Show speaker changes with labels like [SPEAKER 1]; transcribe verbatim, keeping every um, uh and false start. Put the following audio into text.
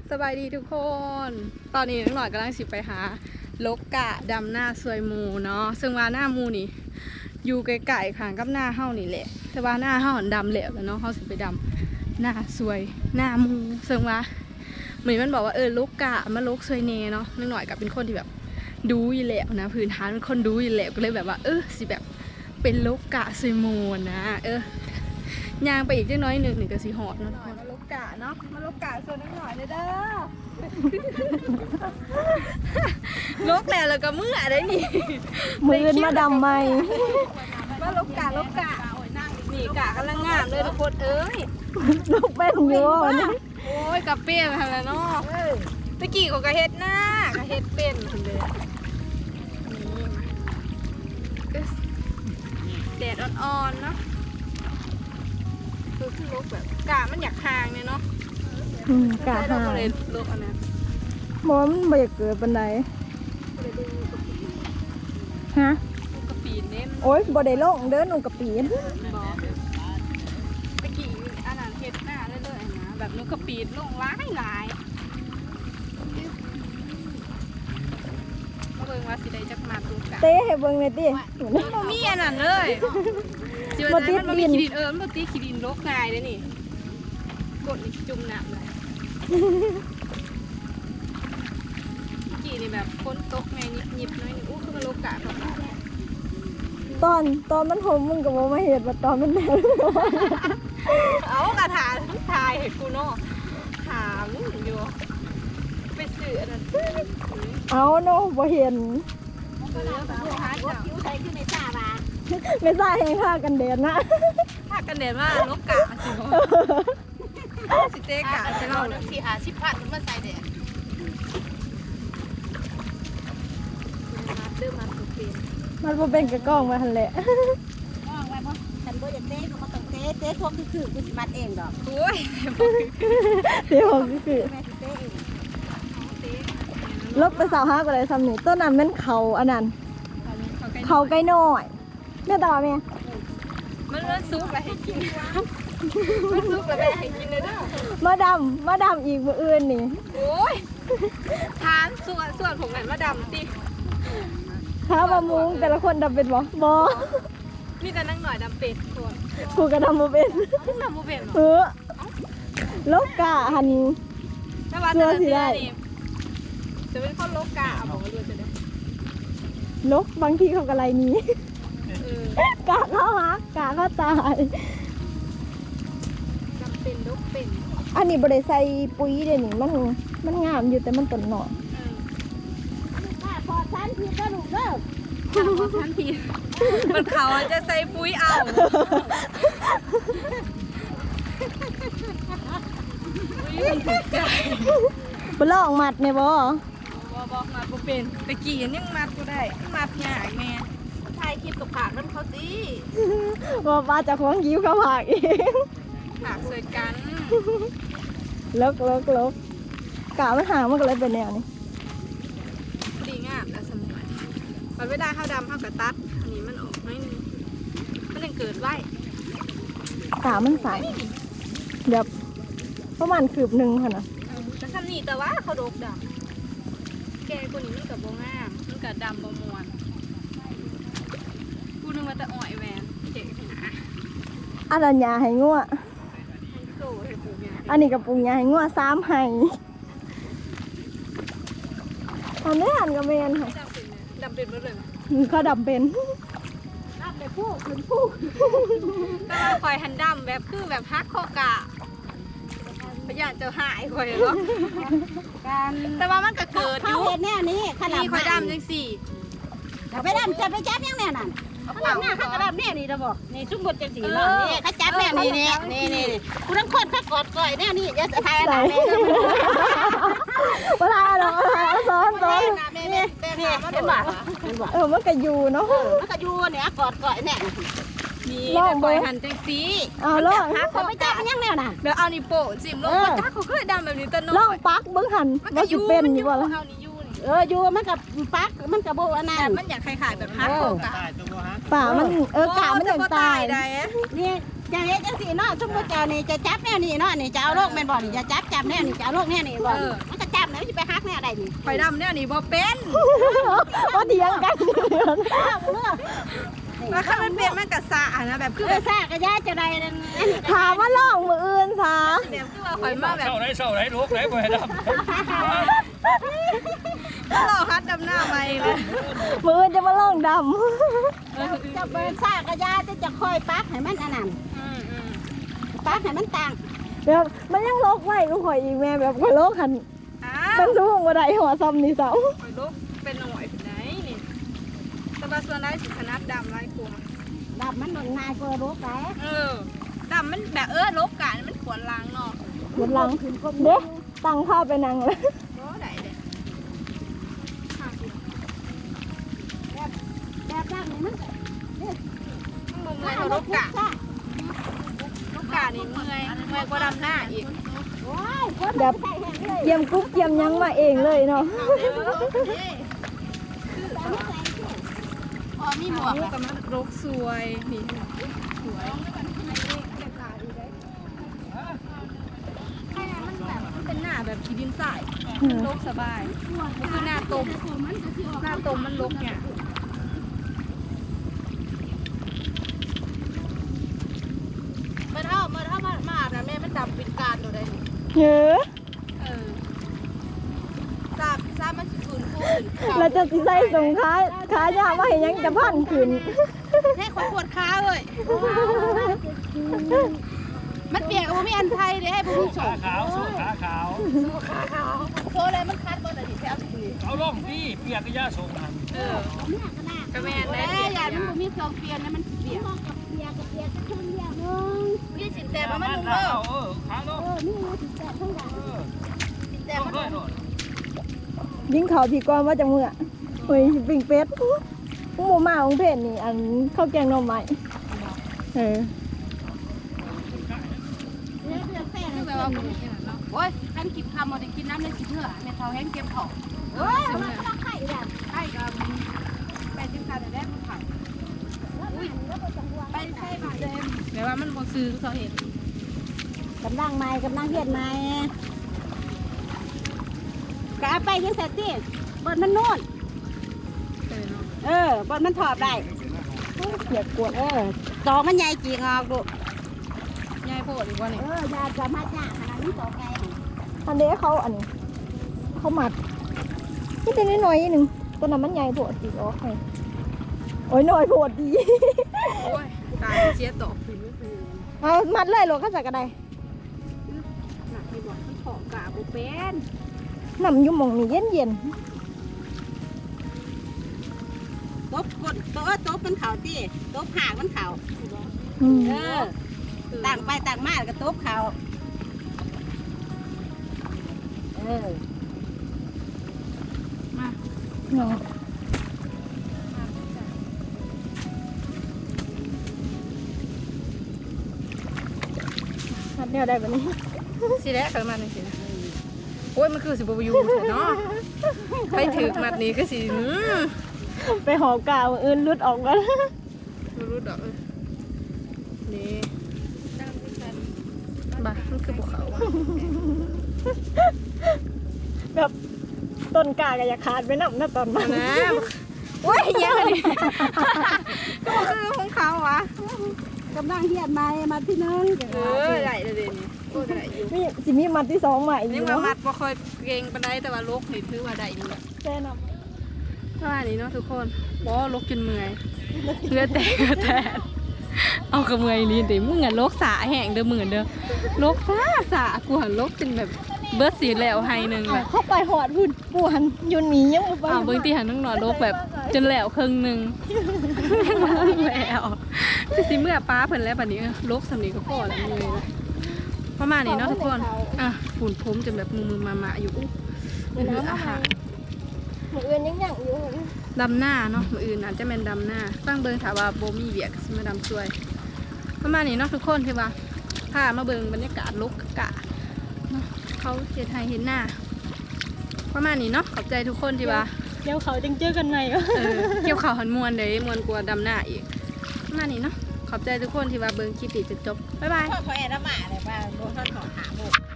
[SPEAKER 1] สบายดีทุกคน ตอนนี้น้องหน่อยกำลังสิไปหาลกกะดำหน้าสวยมูเนาะซึ่งว่าหน้ามูนี่อยู่ไกลๆข้างกับหน้าเฮานี่แหละแต่ว่าหน้าเฮาดำเหลวแล้วเนาะเฮาสิไปดำหน้าสวยหน้ามูซึ่งว่าเหมือนมันบอกว่าเออลกกะมาลกสวยเนเนาะน้องหน่อยกับเป็นคนที่แบบดูอยู่แล้วนะพื้นฐานเป็นคนดูอยู่แล้วก็เลยแบบว่าเออสิแบบเป็นลกกะสวยมูนะเออย่างไปอีกจักน้อยหนึ่งหนึ่งก็สิหอดเนาะมาลกกะเนาะมาลกกะส่วนน้องหน่อยเลยเด้อ ลกแล้วแล้วก็เมื่อได้นี่
[SPEAKER 2] มือมาดำไหม
[SPEAKER 1] มาลกกะลกกะนี่กะกำลังงามเลยทุกคนเอ้ย
[SPEAKER 2] ลูกเป็นอยู่นี่
[SPEAKER 1] โอ้ยกะเปี้ยนมาแล้วเนาะตะกี้เขากะเฮ็ดหน้ากะเฮ็ดเป็นคนเลยแดดอ่อนๆเนาะคือคือลกแบบกะมันอยากห่างเนี่ยเนาะ
[SPEAKER 2] อืมกะ
[SPEAKER 1] เรา
[SPEAKER 2] หา
[SPEAKER 1] ก็เลยลกอันนั้น
[SPEAKER 2] มอมันบ่อยากเกิดปันใด
[SPEAKER 1] ก็เลยดูกะปี
[SPEAKER 2] ฮะ
[SPEAKER 1] ดูกะปีเน้น
[SPEAKER 2] โอ๊ยบ่ได้ลงเดินหนูกับปีน
[SPEAKER 1] บอกตะกี้อันนั้นเฮ็ดหน้าเรื่อยๆนะแบบนูกะปีดลงหลายหลายมาเบิ่งว่าสิได้จักมาตูกะ
[SPEAKER 2] เต้ให้เบิ่งหน่อยติ
[SPEAKER 1] บ่มีอันนั้นเลยสิว่าใจมันบ่มีขี้ดินเออมันบ่ติขี้ดินรกง่ายเด้นี่กดนี่จุ่มน้ำเลยตะกี้นี่แบบฝนตกแม่ยิบๆหน่อยนึงอู้คือมันรกกะของเรา
[SPEAKER 2] ตอนตอนมันผมมึงก็บ่มาเฮ็ดว่าตอนมันแดด
[SPEAKER 1] เอากระถาทายให้กูเนาะถามอยู่ไปซื้ออันนั้น
[SPEAKER 2] เอาเนาะบ่เห็น
[SPEAKER 1] ก็แล้วแต่หาจับ
[SPEAKER 3] ใส่ขึ้นในตาบา
[SPEAKER 2] ไม่ใช่ให้ค่ากันแดดนะ
[SPEAKER 1] ถ้ากันเด่นว่าลกกะสิสิเตกะใช่เรา
[SPEAKER 3] หนึ่งสี่หาสิบพันมาใส่เด็ด
[SPEAKER 1] เริ่มมาถูกเป็น
[SPEAKER 2] มันบ่เป็นกระกล้องมาหั่นแหละ
[SPEAKER 3] มองไว้บ่ฉันบ่อยากเต้ก็มาต้องเต้เต้พวกคือคือกูสิมัดเองดอก
[SPEAKER 1] โอ้ย
[SPEAKER 2] เดี๋ยวผมคือ
[SPEAKER 3] แม่สิเต้เอง
[SPEAKER 2] ลบไปสาวห้าก็ได้ซ้ำนี่ต้นนั้นมันเขาอันนั้นเขาไก่น้อยแม่ตาแม่
[SPEAKER 1] มันมันซุปอะไรให้กินมันซุปอะไรให้กินเลยเด้อ
[SPEAKER 2] มาดำมาดำอีกมื้ออื่นนี่
[SPEAKER 1] โอ้ยทานส่วนส่วนผมหันมาดำติ
[SPEAKER 2] ข้าวมามุงแต่ละคนดำเป็นบ่บ่
[SPEAKER 1] มีแต่นั่งหน่อยดำเป็ดส่วน
[SPEAKER 2] กูก็ดำบ่เป็น
[SPEAKER 1] ดำโมเป็น
[SPEAKER 2] เออลกกะหัน
[SPEAKER 1] แต่ว่าแต่ละเดือนนี่จะเป็นข้อลกกะบอกว่าดูจะได้
[SPEAKER 2] ลกบางทีเขาก็ไล่หนี้
[SPEAKER 1] เออก
[SPEAKER 2] ะเข้าฮักกะเข้าตาย
[SPEAKER 1] ดำเป็นลกเป็น
[SPEAKER 2] อันนี้บ่ได้ใส่ปุ๋ยเด้นี่มันมันงามอยู่แต่มันต้นหน่อย
[SPEAKER 3] ถ้าพอฉันผิดก็ลูกเด้อ
[SPEAKER 1] ข่าวท่านพีมันเขาจะใส่ปุ้ยเอาปุ้ยมันถูกใจ
[SPEAKER 2] บ่ลองมัดแม่บ่
[SPEAKER 1] บอกบอกมาบ่เป็นตะกี้ยังมัดกูได้มัดยากแม่
[SPEAKER 3] ถ่ายคลิปกับปากน้ำเขาสิ
[SPEAKER 2] ว่าว่าเจะของยิ้วเขาผากเอง
[SPEAKER 1] หากสวยกัน
[SPEAKER 2] ลกลกลกกะมันหางมันก็เลยเป็นแนวนี้
[SPEAKER 1] ดีงามแล้วสมัยมันไม่ได้ข้าวดำข้าวกระตัดอันนี้มันออกน้อยนึงมันยังเกิดไว้
[SPEAKER 2] กะมันใสเดี๋ยวประมาณคืบหนึงค่ะนะ
[SPEAKER 1] แต่ทำนี่แต่ว่าเขาโดกดำแกคนนี้มันกับโบงามมันกับดำบมวนกูนึกว่าแต่อ่อยแหวนเจ๊หนา
[SPEAKER 2] อันนั้นยาให้งัว
[SPEAKER 1] ให้โซ่ให้ปูยา
[SPEAKER 2] อันนี้กับปรุงยาให้งัวสามให้อันนี้หันกับแมนค่ะ
[SPEAKER 1] ดำเป็นไหมดำเป็นหมดเลย
[SPEAKER 2] เขาดำเป็น
[SPEAKER 3] รับไปพูดคุณพูด
[SPEAKER 1] แต่ว่าคอยหันดำแบบคือแบบฮักคอกะพยานจะหายคอยเหรอ
[SPEAKER 3] การ
[SPEAKER 1] แต่ว่ามันก็เกิดอ
[SPEAKER 3] เขา
[SPEAKER 1] ยู่
[SPEAKER 3] เห็นแน่นี้ขนาด
[SPEAKER 1] นี่คอยดำจังสี่
[SPEAKER 3] จะไปดำจะไปจับยังแน่นั่นเขาดำหน้าเขากระดำแน่นี่จะบอกนี่ชุ่มบดจังสีเนาะนี่เขาจับแน่นี่นี่นี่นี่กูต้องคนเขากอดก่อยแน่นี่จะถ่ายอะไรแม่
[SPEAKER 2] เวลาเราเอาซ้อนซ้อน
[SPEAKER 3] แม่แม่แม่เห็นบ่เห็นบ่
[SPEAKER 2] เออมันก็อยู่เนาะ
[SPEAKER 3] มันก็อยู่เนี่ยกอดก่อยแน่
[SPEAKER 1] นี่
[SPEAKER 2] ลอง
[SPEAKER 1] แต่
[SPEAKER 2] เบิ่
[SPEAKER 1] คอย
[SPEAKER 2] ง
[SPEAKER 1] หันจังสี่
[SPEAKER 2] เอาลอง
[SPEAKER 1] ฮัก
[SPEAKER 3] เขา
[SPEAKER 1] เขา
[SPEAKER 3] ไป
[SPEAKER 1] ไม่
[SPEAKER 3] จั
[SPEAKER 1] จั
[SPEAKER 3] บบ มันยังแน่น่ะ
[SPEAKER 1] เดี๋ยวเอานี่โปะจิ้มลงก็จ้าเขาเคยดำแบบนี้ตะโน
[SPEAKER 2] ลองปักเบิ้งหัน
[SPEAKER 1] มัน
[SPEAKER 2] ว่า
[SPEAKER 1] ก็อ
[SPEAKER 2] สิ
[SPEAKER 1] ยู่
[SPEAKER 2] เป็น
[SPEAKER 1] มัน
[SPEAKER 2] อ
[SPEAKER 1] อยู่
[SPEAKER 2] ยู่บ่ล่ะ
[SPEAKER 1] เอานี่อยู่นี่
[SPEAKER 3] เอออยู่มันกับปักมันกับโบอันนั้
[SPEAKER 1] แต่
[SPEAKER 3] น
[SPEAKER 1] มันอยากคล้ายๆแบบฮักคอกะ
[SPEAKER 2] ป่ามันเออกะมันอย่างตาย
[SPEAKER 1] ได้
[SPEAKER 3] นี่จะเฮ็ดจังซี่เนาะสมมุติเจ้านี่จะจับแนวนี้เนาะนี่จะเอาโรคแม่นบ่นี่จะจับจับแนวนี้จะเอาโรคแนวนี้บ่มันก็จับแล้วมันสิไปฮักแนวใดนี่
[SPEAKER 1] ข่อยดำเนี่ยนี่บ่เป็น
[SPEAKER 2] ว่าเถียงกัน
[SPEAKER 3] อ้าวเด้อ
[SPEAKER 1] แล้วถ้ามันเป็นมันกะสะนะแบบคือ
[SPEAKER 3] เออซ่ากระยาจะได้นั่นอันนี้
[SPEAKER 2] ถามว่าลองมืออื่นซะ
[SPEAKER 1] แบบคือว่าข่อยมาแบบ
[SPEAKER 4] เศร้าไหนเศร้าไหนลูกไหนบ่ให้ดำ
[SPEAKER 1] แล้วเราฮัดดำหน้าไปเลย
[SPEAKER 2] มืออื่นจะมาลองด
[SPEAKER 3] จะเบิ่นซ่ากระยาจะจะค่อยปักให้มันอันนั้น
[SPEAKER 1] อืมอืม
[SPEAKER 3] ปักให้มันต่าง
[SPEAKER 2] ำแบบมันยังลกไว้ก็ข่อยอีกแม่แบบข่อยลกหัน
[SPEAKER 1] อ้า
[SPEAKER 2] มั
[SPEAKER 1] วน
[SPEAKER 2] สูงกว่าใดหัวซ้ำนี่เสา
[SPEAKER 1] ข่อยลุกเป็นหน่วยไหนนี่แต่ว่าส่วนได้สิขนาดดำไรกลัว
[SPEAKER 3] ดับมันง่ายกว่าโรคไหน
[SPEAKER 1] เออดำมันแบบเออลบกันมันขวนล้างเนาะ
[SPEAKER 2] หมดหลังเด้ตั้งข้าวไปนั่งเลย
[SPEAKER 1] โอ้ได้เลย
[SPEAKER 3] แบบแบบร่างนี่มัน
[SPEAKER 1] มุมเลยเขาลบกะลบกะนี่เมื่อยเมื่อยกว่าดำหน้าอีก
[SPEAKER 3] โอ้ยคน
[SPEAKER 2] แบบ
[SPEAKER 3] ใส่แห้งเลย
[SPEAKER 2] เยี่ยมกุ๊บเยี่ยมยังมาเองเลยเนาะ
[SPEAKER 3] พอมีหมวก
[SPEAKER 1] ลูกกับมันลกสวยนี่สวยมันแบบมันเป็นหน้าแบบขีดินทรายมันลกสบายมันคือหน้าตมหน้าตมมันลกเนี่ย
[SPEAKER 3] มันเอามันเอามามาแต่แม่มันดำเป็นการตัวใด
[SPEAKER 2] เยอะ
[SPEAKER 1] เออทราบทราบมันสิคืนคืน
[SPEAKER 2] เราจะสิใส่ส่งค้าค้ายากว่าเห็นยังจะพันขึ้น
[SPEAKER 1] ให้คนปวดขาเลยมันเปียกกับมีอันไทยเลยให้ผู้ช
[SPEAKER 4] ขาม ขาวสู้ขาขาว
[SPEAKER 1] ขาขาวโซ่เลยมันคัดบนอดีตแล้วสิ
[SPEAKER 4] เอาล่องที่เปียกกระยาส่งมัน
[SPEAKER 1] เออ
[SPEAKER 3] เนี่ยขนาด
[SPEAKER 1] กระแมนได้
[SPEAKER 3] แต่
[SPEAKER 1] เปียก
[SPEAKER 3] อย่า
[SPEAKER 1] อย่า
[SPEAKER 3] มันบ่มีเครื่องเปลี่ยนนะมันเปียกกับเปียกกับเปียกก็คนเดียวนึง
[SPEAKER 1] พี่สินแต่มัน
[SPEAKER 4] มั
[SPEAKER 1] มัน
[SPEAKER 4] น
[SPEAKER 1] นุ่ม
[SPEAKER 4] ขา
[SPEAKER 1] เด้อ
[SPEAKER 4] เออขาลง
[SPEAKER 3] เออนี่นะสิแต่ทั้งหลาย
[SPEAKER 4] เออ
[SPEAKER 1] สินแต่
[SPEAKER 4] ล
[SPEAKER 1] มั
[SPEAKER 4] ง
[SPEAKER 1] น
[SPEAKER 4] ด้วย
[SPEAKER 1] นุ่ม
[SPEAKER 4] โน่น
[SPEAKER 2] ยิ่งเขาผีก้อนว่าจะเมื่อเฮ้ยปิ่งเป็ดหมูหมาของเพจนี่อันข้าวแกงหน่อไม้เออ
[SPEAKER 3] เนี่ยเดือดแป้ง
[SPEAKER 1] คือแบบว่าผมมีอย่างนั้นเนาะ
[SPEAKER 3] โอ้ยกันกินคำมาได้กินน้ำเลยกินเนื้อแม่เฒ่าแห้งเก็บของเอ้ยมันก็ไข่แบบไข่กับแปดสิบคำแต่แรกมันไข่อุ้ยไปใช่มาเต็ม
[SPEAKER 1] แบบว่ามันบ่ซื้อเขาเห็น
[SPEAKER 3] กำลังใหม่กำลังเฮ็ดใหม่ก็เอาไปยังเสร็จสิบนมันนู่น
[SPEAKER 1] เออเนาะ
[SPEAKER 3] เออบนมันถอดได้
[SPEAKER 2] อยากกวด
[SPEAKER 3] เออตอกมันใหญ่จริงออกดู
[SPEAKER 1] ยายโพดอีกว่านี่
[SPEAKER 3] เออยาจะมาจ้าขนาดนี้ตอกไง
[SPEAKER 2] อันเด้เขาอันนี้เขาหมัดนี่เป็นน้อยๆนิดนึงตัวนั้นมันใหญ่โผดดีโอเคโอ้ยน้อยโผดดี
[SPEAKER 1] โอ้ยตายเสียตก
[SPEAKER 2] เอามัดเลยโลก็ใส่กระได
[SPEAKER 3] หนักที่บอกมันถอดกาบุเป็น
[SPEAKER 2] น้ำอยุ่หมองนี่เย็นเย็น
[SPEAKER 3] ตบกดโต๊ะโต๊ะมันเข่าที่โต๊ะห่างมันเข่า
[SPEAKER 2] ๆอืม
[SPEAKER 3] เออต่างไปต่างมาก็โต๊ะเข่าเออ
[SPEAKER 1] มา
[SPEAKER 2] เนาะมัดเดียวได้แบบนี้
[SPEAKER 1] สิแล้วกันมาหนึ่งสินะโอ้ยมันคือสิบวยูเนาะไปถือมัดนี้ก็สิอืม
[SPEAKER 2] ไปหอกาวอื่นรุดออกมา
[SPEAKER 1] รู้รู้ดอกเออนี่บ้ามันคือภูเขาอะ
[SPEAKER 2] แบบต้นกาก็อยากขาดไปน้ำนะตอนนั้น
[SPEAKER 1] นะโอ้ยเยังไงนี่ก็คือของเขาวะ
[SPEAKER 3] กำลังเฮ็ดใหม่มาที่นึง
[SPEAKER 1] เออได้เลยเดี๋ยวนี้โอ้ได้อยู่
[SPEAKER 2] มีสิมีมัดที่สองใหม่อีก
[SPEAKER 1] นี่ว่า
[SPEAKER 2] เนาะ
[SPEAKER 1] มัดบ่ค่อยเก่งปานใดแต่ว่าลกนี่ถือว่าได้อยู่
[SPEAKER 2] แช่น้
[SPEAKER 1] เท่านี้เนาะทุกคนบ่ลกจนเมื่อยเลือดแตกเลือดแตกเอากระเมื่อยนี่ติมึงอ่ะลกสาแห้งเด้อมึงเด้อลกสาสากูหันลกจนแบบเบิดสีแล้วให้หนึง
[SPEAKER 2] ำ
[SPEAKER 1] แบ
[SPEAKER 2] เอา
[SPEAKER 1] บ
[SPEAKER 2] เข้าไปหอดพุ่นปวนยุนหนียังบ่ไป
[SPEAKER 1] อ้าวเบิ่งที่หันน้องหนอลกแบบจนแล้วครึ่งหนึงยังบ่เลิกแล้วคือสิเมื่อป้าเพิ่นแล้วบัดนี้ลกสำนี้ก็พอแล้วเมื่อยแล้วประมาณนี้เนาะทุกคนอ่ะฝุ่นผมจนแบบมือๆมาๆอยู่อุ๊ยคืออาหาร
[SPEAKER 2] หมูเอื่นยังยังอยู่
[SPEAKER 1] ดำหน้าเนาะมืออื่นอาจจะเป็นดำหน้าตั้งเบิงถามว่าโบมีเวียกสิมาดำช่วยประมาณนี้เนาะทุกคนที่ว่าพามาเบิงบรรยากาศลกกะเนาะเขาเฮ็ดให้เห็นหน้าประมาณนี้เนาะขอบใจทุกคนที่ว่า
[SPEAKER 2] เดี๋ยวเขาจังเจอกันใหม่
[SPEAKER 1] เออเกี่ยวข่าวหันมวนเลยมวนกลัวาดำหน้าอีกประมาณนี้เนาะขอบใจทุกคนที่มาเบิ่งคลิปนี้จนจบบ๊ายบาย
[SPEAKER 3] พ่อขอแอร์ละหมาเลยว่าโดนท่อนขอหาหมก